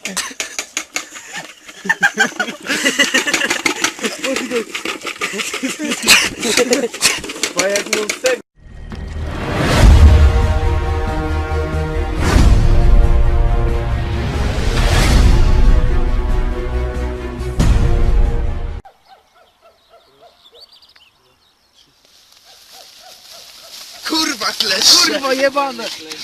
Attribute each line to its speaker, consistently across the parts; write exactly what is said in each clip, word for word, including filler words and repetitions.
Speaker 1: Bo jak mu z tego...
Speaker 2: Kurwa kleszcze!
Speaker 1: Kurwa jebane!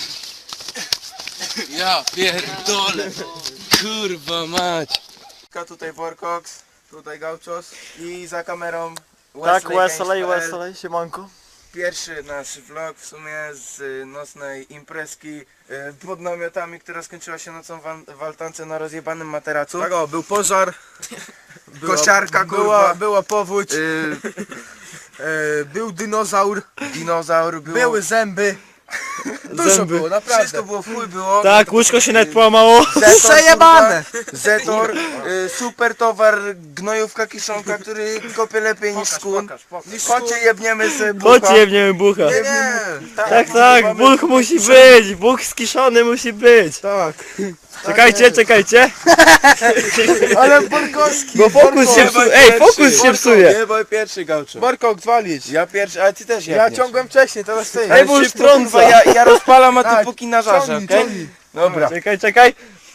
Speaker 2: Ja pierdolę! Kurwa mać!
Speaker 1: Tutaj Workox, tutaj Gauchos i za kamerą
Speaker 3: Tak,
Speaker 1: Wesley
Speaker 3: Wesley,
Speaker 1: Games kropka p l.
Speaker 3: Wesley, siemanko.
Speaker 1: Pierwszy nasz vlog w sumie z y, nocnej imprezki y, pod namiotami, która skończyła się nocą w, w altance na rozjebanym materacu. Tak o, był pożar, była, kosiarka, kurwa, była, była powódź, y, y, był dinozaur, dinozaur było, były zęby. Dużo
Speaker 3: Zęby.
Speaker 1: było, naprawdę. Wszystko było w chuj było.
Speaker 3: Tak, łóżko się nawet połamało.
Speaker 1: Przejebane! Zetor, y, super towar, gnojówka kiszonka, który kopie lepiej niż skun. Chodźcie jebniemy sobie bucha.
Speaker 3: Chodź jebniemy bucha.
Speaker 1: Nie, nie.
Speaker 3: Tak, tak, buch musi być, buch skiszony musi być.
Speaker 1: Tak.
Speaker 3: Czekajcie, czekajcie.
Speaker 1: Ale Borkowski!
Speaker 3: Bo fokus się psuje, ej, fokus się psuje.
Speaker 2: Nie, bo pierwszy Gaucho.
Speaker 1: Borkok, zwalić.
Speaker 2: Ja pierwszy, ale ty też
Speaker 1: Ja
Speaker 2: jebniesz.
Speaker 1: ciągłem wcześniej, teraz ty.
Speaker 3: Ej, bo już
Speaker 2: Szybko, kurwa,
Speaker 3: trąca.
Speaker 2: ja, ja rozpalam, a ty
Speaker 1: Tak,
Speaker 2: póki na żarze,
Speaker 1: ciągnij,
Speaker 2: okej?
Speaker 1: ciągnij.
Speaker 2: Dobra.
Speaker 3: Czekaj, czekaj.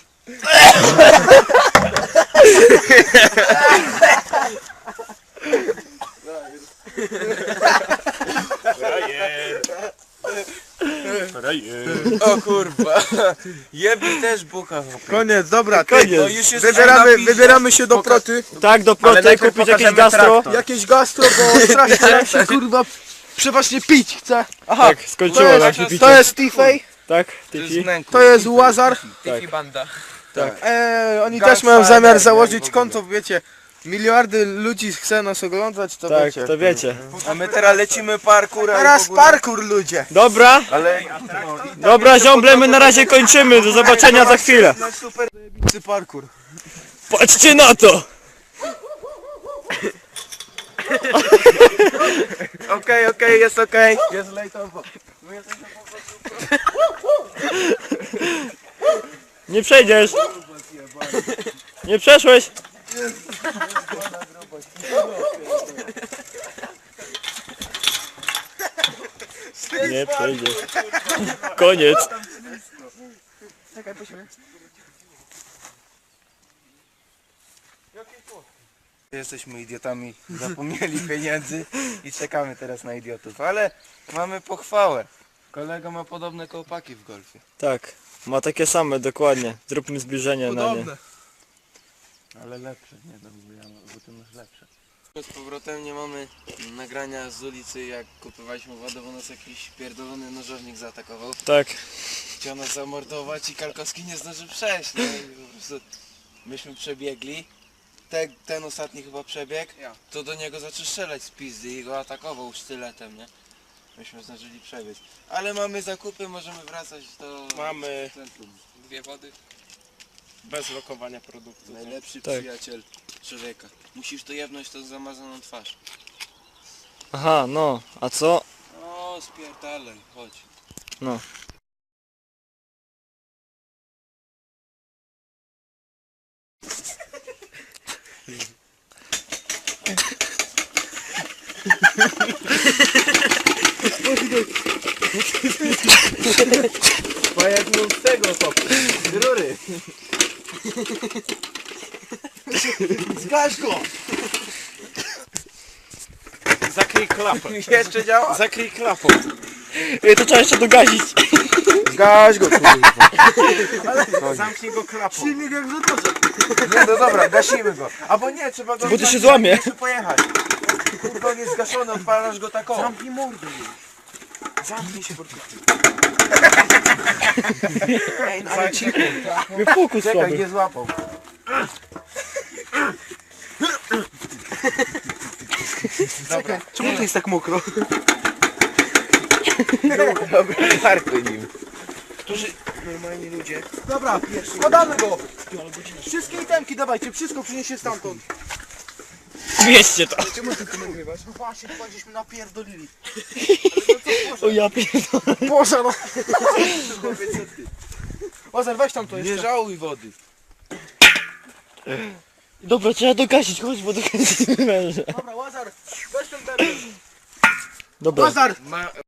Speaker 2: O kurwa. Jebni też bucha.
Speaker 1: Koniec, dobra, ty.
Speaker 3: Koniec.
Speaker 2: No już jest
Speaker 1: Wybieramy,
Speaker 2: napisz,
Speaker 1: wybieramy się do
Speaker 2: pokaż-
Speaker 1: proty.
Speaker 3: Tak, do
Speaker 1: Ale
Speaker 3: proty,
Speaker 1: najpierw
Speaker 3: kupić jakieś
Speaker 1: pokażemy
Speaker 3: gastro.
Speaker 1: traktor. Jakieś gastro, bo strasznie nam się kurwa przeważnie pić chce. Aha,
Speaker 3: Tak, skończyło
Speaker 1: to
Speaker 3: nam się
Speaker 1: jest,
Speaker 3: picie.
Speaker 1: to jest Tifej,
Speaker 3: Tak,
Speaker 2: To jest
Speaker 3: Tifi.
Speaker 2: wnęku.
Speaker 1: to jest Łazar.
Speaker 2: Tifi banda.
Speaker 1: Eee, oni
Speaker 2: Gang
Speaker 1: też mają
Speaker 2: Fighter,
Speaker 1: zamiar
Speaker 2: jak
Speaker 1: założyć
Speaker 2: w ogóle.
Speaker 1: konto, wiecie. Miliardy ludzi chce nas oglądać, to
Speaker 3: Tak,
Speaker 1: wiecie.
Speaker 3: to wiecie.
Speaker 2: A my teraz lecimy parkour.
Speaker 1: Teraz parkour ludzie.
Speaker 3: Dobra,
Speaker 2: Ale
Speaker 3: dobra ziomble, my na razie kończymy. Do zobaczenia za chwilę.
Speaker 1: Super parkour.
Speaker 3: Patrzcie na to.
Speaker 1: Okej, okej, jest okej. Jest lejtowo.
Speaker 3: Nie przejdziesz. Nie przeszłeś. Nie przejdziesz. Koniec.
Speaker 1: Jesteśmy idiotami, zapomnieli pieniędzy i czekamy teraz na idiotów, ale mamy pochwałę. Kolega ma podobne kołpaki w golfie.
Speaker 3: Tak, ma takie same, dokładnie. Zróbmy zbliżenie na nie.
Speaker 1: Ale lepsze, nie no, bo, ja, bo ty masz lepsze.
Speaker 2: z powrotem nie mamy nagrania z ulicy, jak kupowaliśmy wodę, bo nas jakiś pierdolony nożownik zaatakował.
Speaker 3: Tak,
Speaker 2: Chciał nas zamordować i Kalkowski nie zdążył przejść, no i po prostu myśmy przebiegli. Te, ten ostatni chyba przebieg, to do niego zaczął strzelać z pizdy i go atakował sztyletem, nie? Myśmy zdążyli przebiec. Ale mamy zakupy, możemy wracać do
Speaker 1: Mamy
Speaker 2: centrum. Dwie wody.
Speaker 1: bez lokowania produktu.
Speaker 2: Najlepszy
Speaker 3: Tak.
Speaker 2: przyjaciel człowieka. Musisz to jebnąć to z zamazaną twarz.
Speaker 3: aha, no, a co?
Speaker 2: O, spierdalaj, chodź.
Speaker 3: No.
Speaker 1: Bo jak mu z tego to z rury. Zgaś go!
Speaker 3: Zakryj klapę.
Speaker 1: Jeszcze działa?
Speaker 3: Zakryj klapą. Ej, to trzeba jeszcze dogazić.
Speaker 1: Zgaś go, kurwa.
Speaker 3: Zamknij go klapą.
Speaker 1: Silnik jak w motorze. Nie, no dobra, gasimy go. Albo nie, trzeba go...
Speaker 3: Bo to się złamie.
Speaker 1: Muszę pojechać. Kurwa, on jest zgaszony, odpalasz go taką. Zamknij mordę. Zamknij się, kurwa. Ej, no ale cicho.
Speaker 3: Mnie fokus
Speaker 1: Czekaj,
Speaker 3: słaby.
Speaker 1: nie złapał. Dobra.
Speaker 2: Czemu to jest tak mokro?
Speaker 1: Dobra, parkuj nim. Którzy normalni ludzie. Dobra, składamy go. Wszystkie itemki dawajcie, wszystko przyniesie stamtąd.
Speaker 3: Mieście to.
Speaker 1: Czemu ty tu nagrywasz? No właśnie, chyba żeśmy napierdolili.
Speaker 3: O ja pierdolę.
Speaker 1: Boże no. Ozar, weź tam to
Speaker 2: Nie
Speaker 1: jeszcze.
Speaker 2: żałuj wody.
Speaker 3: Dobra, trzeba dogasić, chodź, bo dogasimy męża.
Speaker 1: Dobra, Łazar, weź ten termin.
Speaker 3: Dobra.
Speaker 1: Łazar! Ma,